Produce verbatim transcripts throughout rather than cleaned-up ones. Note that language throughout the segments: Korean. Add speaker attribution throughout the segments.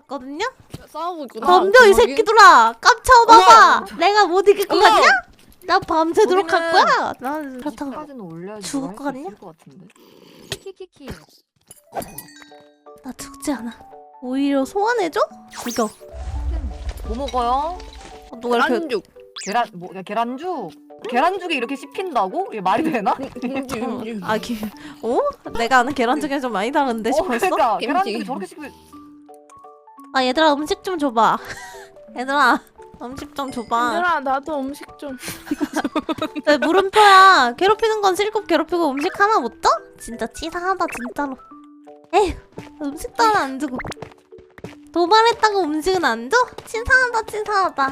Speaker 1: 왔거든요?
Speaker 2: 싸우고 있구나.
Speaker 1: 덤벼 이 새끼들아! 깜쳐봐봐! 내가 못 이길 것
Speaker 2: 어머!
Speaker 1: 같냐? 나 밤새도록 할
Speaker 3: 거기는-
Speaker 1: 거야! 난 그렇다고
Speaker 3: 사진은 올려야지
Speaker 1: 죽을
Speaker 3: 뭐
Speaker 1: 것
Speaker 3: 할수
Speaker 1: 같냐?
Speaker 3: 있을 것 같은데.
Speaker 4: 키키키키.
Speaker 1: 나 죽지 않아. 오히려 소환해줘? 죽여.
Speaker 3: 뭐 먹어요?
Speaker 1: 어, 누가 이렇게
Speaker 2: 계란죽.
Speaker 3: 계란 뭐 야, 계란죽? 계란죽이 이렇게 씹힌다고? 이게 말이 되나?
Speaker 2: 음주.
Speaker 1: 아, 기... 어? 내가 아는 계란죽이랑 좀 많이 다른데
Speaker 3: 어,
Speaker 1: 싶었어?
Speaker 3: 그러니까
Speaker 2: 김치.
Speaker 3: 계란죽이 저렇게 씹히.
Speaker 1: 아, 얘들아 음식 좀 줘봐. 얘들아 음식 좀 줘봐.
Speaker 5: 얘들아 나도 음식 좀.
Speaker 1: 왜 물음표야? 괴롭히는 건 실컷 괴롭히고 음식 하나 못 줘? 진짜 치사하다 진짜로. 에휴 음식도 하나 안 주고 도발했다고 음식은 안 줘? 치사하다 치사하다.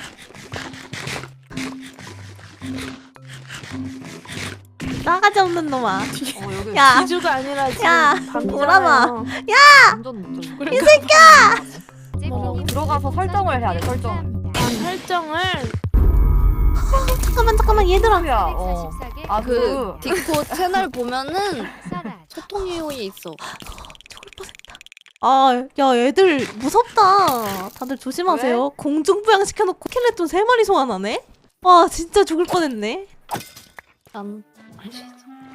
Speaker 1: 싸가지 없는 놈아.
Speaker 3: 어 여기
Speaker 1: 야
Speaker 5: 비주가 아니라 지금
Speaker 1: 야,
Speaker 5: 밤이잖아요.
Speaker 1: 오라마.
Speaker 3: 완전 못 줘.
Speaker 5: 이
Speaker 4: 새끼야!
Speaker 3: 어, 들어가서 설정을 해야 돼, 설정.
Speaker 5: 설정을
Speaker 1: 잠깐만 잠깐만 얘들아.
Speaker 3: 야, 어. 아,
Speaker 2: 그
Speaker 3: 그
Speaker 2: 디코 채널 보면은 소통 이용이 있어.
Speaker 1: 죽을 뻔했다. 아, 야 얘들 무섭다. 다들 조심하세요. 공중부양 시켜놓고 스켈레톤 세 마리 소환하네? 와 진짜 죽을 뻔했네.
Speaker 2: 난 알 수 있어.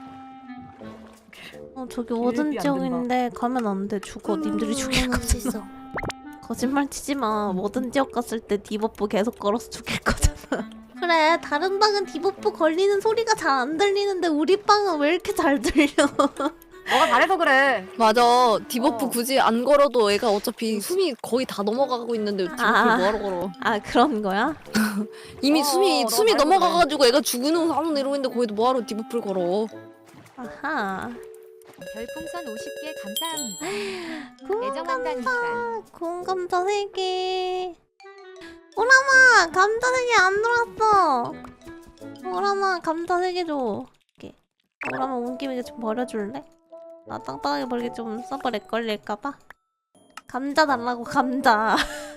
Speaker 1: 어 저기
Speaker 3: 기름이
Speaker 1: 워든
Speaker 3: 안
Speaker 1: 지역인데 가면 안 돼. 죽어. 님들이 죽일 거잖아. 거짓말 치지 마. 워든 지역 갔을 때 디버프 계속 걸어서 죽일 거잖아. 그래 다른 방은 디버프 걸리는 소리가 잘 안 들리는데 우리 방은 왜 이렇게 잘 들려?
Speaker 3: 너가 잘해서 그래.
Speaker 2: 맞아. 디버프
Speaker 3: 어.
Speaker 2: 굳이 안 걸어도 애가 어차피 숨이 거의 다 넘어가고 있는데 디버프
Speaker 1: 아.
Speaker 2: 뭐하러 걸어?
Speaker 1: 아 그런 거야?
Speaker 2: 이미
Speaker 3: 어,
Speaker 2: 숨이
Speaker 3: 너
Speaker 2: 숨이
Speaker 3: 말도
Speaker 2: 넘어가가지고 애가 죽는 상황 내려오는데 거기도 뭐하러 디버프를 걸어?
Speaker 1: 아하.
Speaker 4: 별풍선 오십 개 감사합니다.
Speaker 1: 구운
Speaker 4: 애정한다니까.
Speaker 1: 감자, 구운 감자 세 개. 오라마 감자 세 개 안 들어왔어. 오라마 감자 세 개 줘. 이렇게. 오라마 온 김에 좀 버려줄래? 나 땅땅하게 버리기 좀 서버 렉 걸릴까봐. 감자 달라고 감자.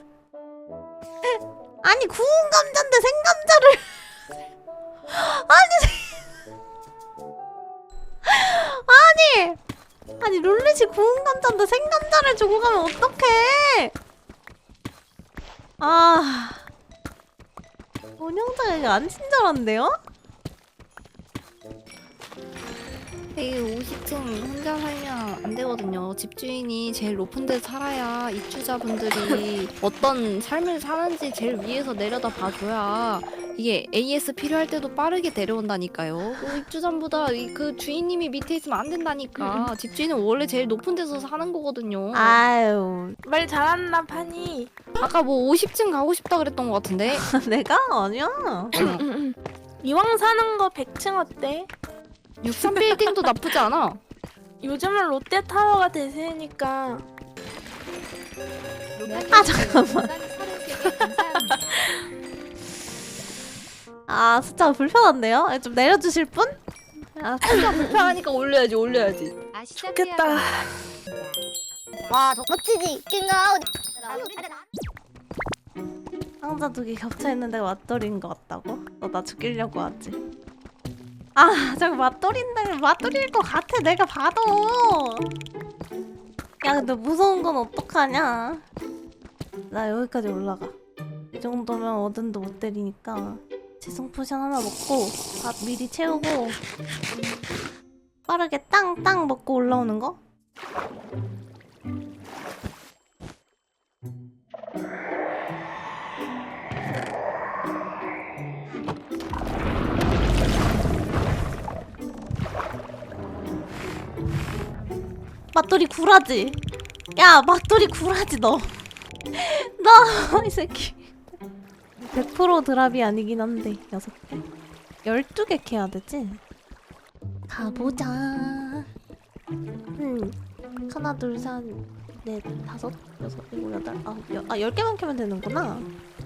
Speaker 1: 아니 구운 감자인데 생감자를. 아니 생- 아니 아니 룰렛이 구운 감자인데 생감자를 주고 가면 어떡해? 아 운영자가 이게 안 친절한데요?
Speaker 2: 되게 오십 층 혼자 살면 안 되거든요. 집주인이 제일 높은 데 살아야 입주자분들이 어떤 삶을 사는지 제일 위에서 내려다 봐줘야 이게 에이에스 필요할 때도 빠르게 내려온다니까요. 그 입주자보다 이- 그 주인님이 밑에 있으면 안 된다니까. 집주인은 원래 제일 높은 데서 사는 거거든요.
Speaker 1: 아유
Speaker 5: 말 잘한다 파니.
Speaker 2: 아까 뭐 오십 층 가고 싶다 그랬던 것 같은데.
Speaker 1: 내가 아니야.
Speaker 5: 이왕 사는 거 백 층 어때?
Speaker 2: 육삼 빌딩도 나쁘지 않아.
Speaker 5: 요즘은 롯데타워가 대세니까.
Speaker 1: 아, 잠깐만. 아 숫자가 불편한데요? 아, 좀 내려주실 분? 아
Speaker 2: 불편하니까 올려야지 올려야지.
Speaker 5: 좋겠다.
Speaker 6: 와, 저 멋지지? 킹아웃.
Speaker 1: 상자 두 개 겹쳐있는데 맞돌이인 것 같다고? 너 나 죽이려고 하지? 아 저거 맞돌인데 맞돌일 것 같아 내가 봐도. 야 근데 무서운 건 어떡하냐. 나 여기까지 올라가. 이 정도면 어든도 못 때리니까 지성 포션 하나 먹고 밥 미리 채우고 빠르게 땅땅 먹고 올라오는 거? 맞돌이 구라지. 야 맞돌이 구라지 너. 너 이 새끼. 백 퍼센트 드랍이 아니긴 한데 여섯 개. 열두 개 캐야 되지? 가보자. 음. 하나 둘셋넷 다섯 여섯 일곱 여덟 아홉 열, 아 열 개만 캐면 되는구나.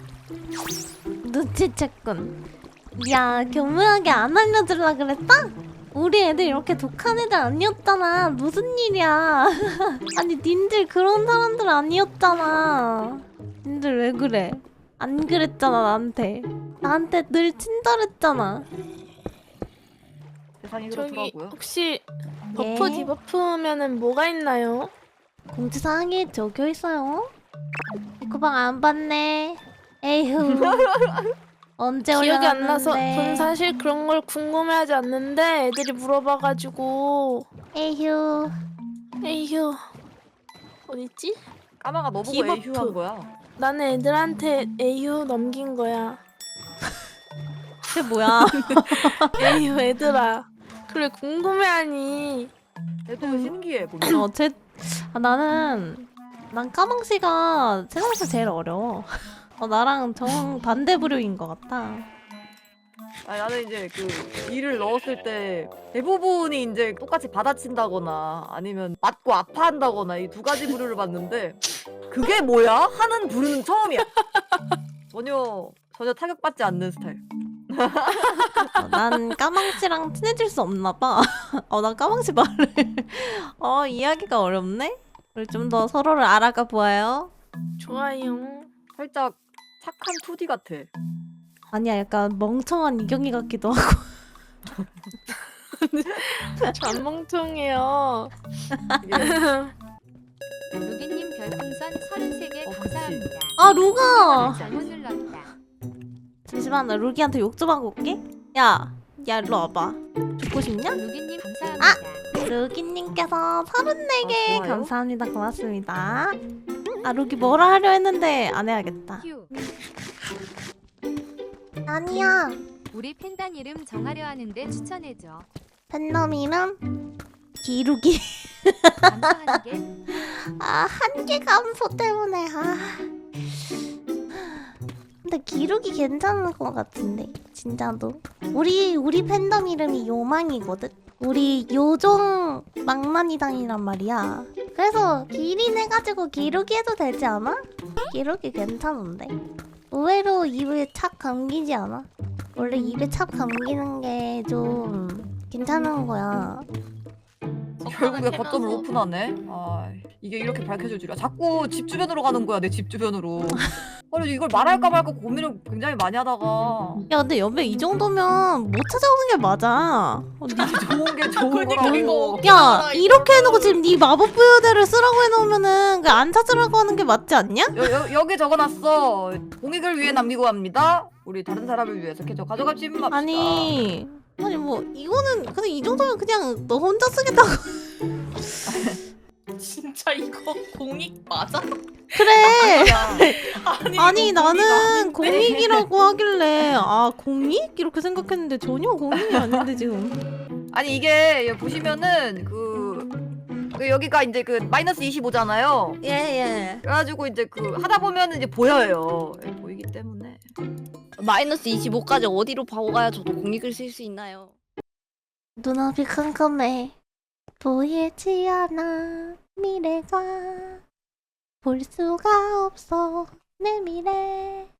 Speaker 1: 눈치챘군. 야 교묘하게 안 알려주려 그랬다? 우리 애들 이렇게 독한 애들 아니었잖아. 무슨 일이야. 아니 님들 그런 사람들 아니었잖아. 님들 왜 그래? 안 그랬잖아 나한테. 나한테 늘 친절했잖아.
Speaker 3: 세상이
Speaker 5: 저기
Speaker 3: 그렇더라고요.
Speaker 5: 혹시 버프
Speaker 1: 예?
Speaker 5: 디버프면은 뭐가 있나요?
Speaker 1: 공지사항에 적혀 있어요. 그 방 안 봤네. 에휴. 언제
Speaker 5: 기억이 안 나서
Speaker 1: 올라갔는데.
Speaker 5: 전 사실 그런 걸 궁금해하지 않는데 애들이 물어봐가지고
Speaker 1: 에휴.
Speaker 5: 에휴 어딨지?
Speaker 3: 까마가 너 보고
Speaker 5: 기버프.
Speaker 3: 에휴한 거야.
Speaker 5: 나는 애들한테 에휴 넘긴 거야.
Speaker 1: 그게 뭐야?
Speaker 5: 에휴 애들아 그래 궁금해하니.
Speaker 3: 애도 신기해 보면.
Speaker 1: 어, 제, 아, 나는 난 까망씨가 세상에서 제일 어려워. 어, 나랑 정 반대 부류인 것 같아.
Speaker 3: 아니, 나는 이제 그 일을 넣었을 때 대부분이 이제 똑같이 받아친다거나 아니면 맞고 아파한다거나 이 두 가지 부류를 봤는데 그게 뭐야? 하는 부류는 처음이야. 전혀 전혀 타격받지 않는 스타일.
Speaker 1: 어, 난 까망씨랑 친해질 수 없나 봐. 어, 난 까망씨 말을. 어, 이야기가 어렵네? 우리 좀 더 서로를 알아가 보아요.
Speaker 5: 좋아요.
Speaker 3: 살짝 착한 투디 같아.
Speaker 1: 아니야, 약간 멍청한 이경이 같기도 하고.
Speaker 5: 안 멍청해요.
Speaker 3: 이게
Speaker 4: 루기님 별풍선 서른세 개
Speaker 3: 어, 그치.
Speaker 4: 감사합니다.
Speaker 1: 아, 루가!
Speaker 4: 잘못 눌렀다.
Speaker 1: 잠시만, 나 루기한테 욕 좀 하고 올게. 야, 야, 일로 와봐. 죽고 싶냐?
Speaker 4: 루기님 감사합니다.
Speaker 1: 루기님께서 서른네 개
Speaker 3: 아, 좋아요?
Speaker 1: 감사합니다. 고맙습니다. 아, 루기 뭐라 하려 했는데 안 해야겠다.
Speaker 4: 휴.
Speaker 1: 아니야.
Speaker 4: 우리 팬단 이름 정하려 하는데 추천해줘.
Speaker 1: 팬덤 이름? 기루기.
Speaker 4: 감사한 게
Speaker 1: 아, 한계 감소 때문에. 아. 근데 기룩이 괜찮은 것 같은데 진짜도. 우리 우리 팬덤 이름이 요망이거든. 우리 요종 망나니당이란 말이야. 그래서 기린 해가지고 기룩이 해도 되지 않아? 기룩이 괜찮은데. 의외로 입에 착 감기지 않아? 원래 입에 착 감기는 게 좀 괜찮은 거야.
Speaker 3: 결국에 거점을 오픈하네. 아 이게 이렇게 밝혀질 줄이야. 자꾸 집 주변으로 가는 거야. 내 집 주변으로. 아니 이걸 말할까 말까 고민을 굉장히 많이 하다가
Speaker 1: 야, 근데 여배 이 정도면 못 찾아오는 게 맞아. 어, 니-
Speaker 3: 좋은 게 좋은 거라고.
Speaker 1: 야, 이렇게 해놓고 지금 네 마법 부여대를 쓰라고 해놓으면은 그 안 찾으라고 하는 게 맞지 않냐?
Speaker 3: 여, 여, 여기 적어놨어. 공익을 위해 남기고 합니다. 우리 다른 사람을 위해서 캐쳐 가져가지 맙시다.
Speaker 1: 아니, 아니 뭐 이거는 그냥 이 정도면 그냥 너 혼자 쓰겠다고.
Speaker 6: 진짜 이거 공익 맞아?
Speaker 1: 그래.
Speaker 3: 그냥
Speaker 1: 아니
Speaker 6: 이거
Speaker 1: 나는
Speaker 6: 공익 아닌데.
Speaker 1: 공익이라고 하길래 아 공익 이렇게 생각했는데 전혀 공익이 아닌데 지금.
Speaker 3: 아니 이게 여기 보시면은 그, 그 여기가 이제 그 마이너스 이십오잖아요.
Speaker 1: 예 예.
Speaker 3: 그래가지고 이제 그 하다 보면 이제 보여요. 예, 보이기 때문에.
Speaker 2: 마이너스 이십오까지 어디로 바고 가야 저도 공익을 쓸 수 있나요?
Speaker 1: 눈앞이 캄캄해. 보이지 않아 미래가. 볼 수가 없어 내 미래.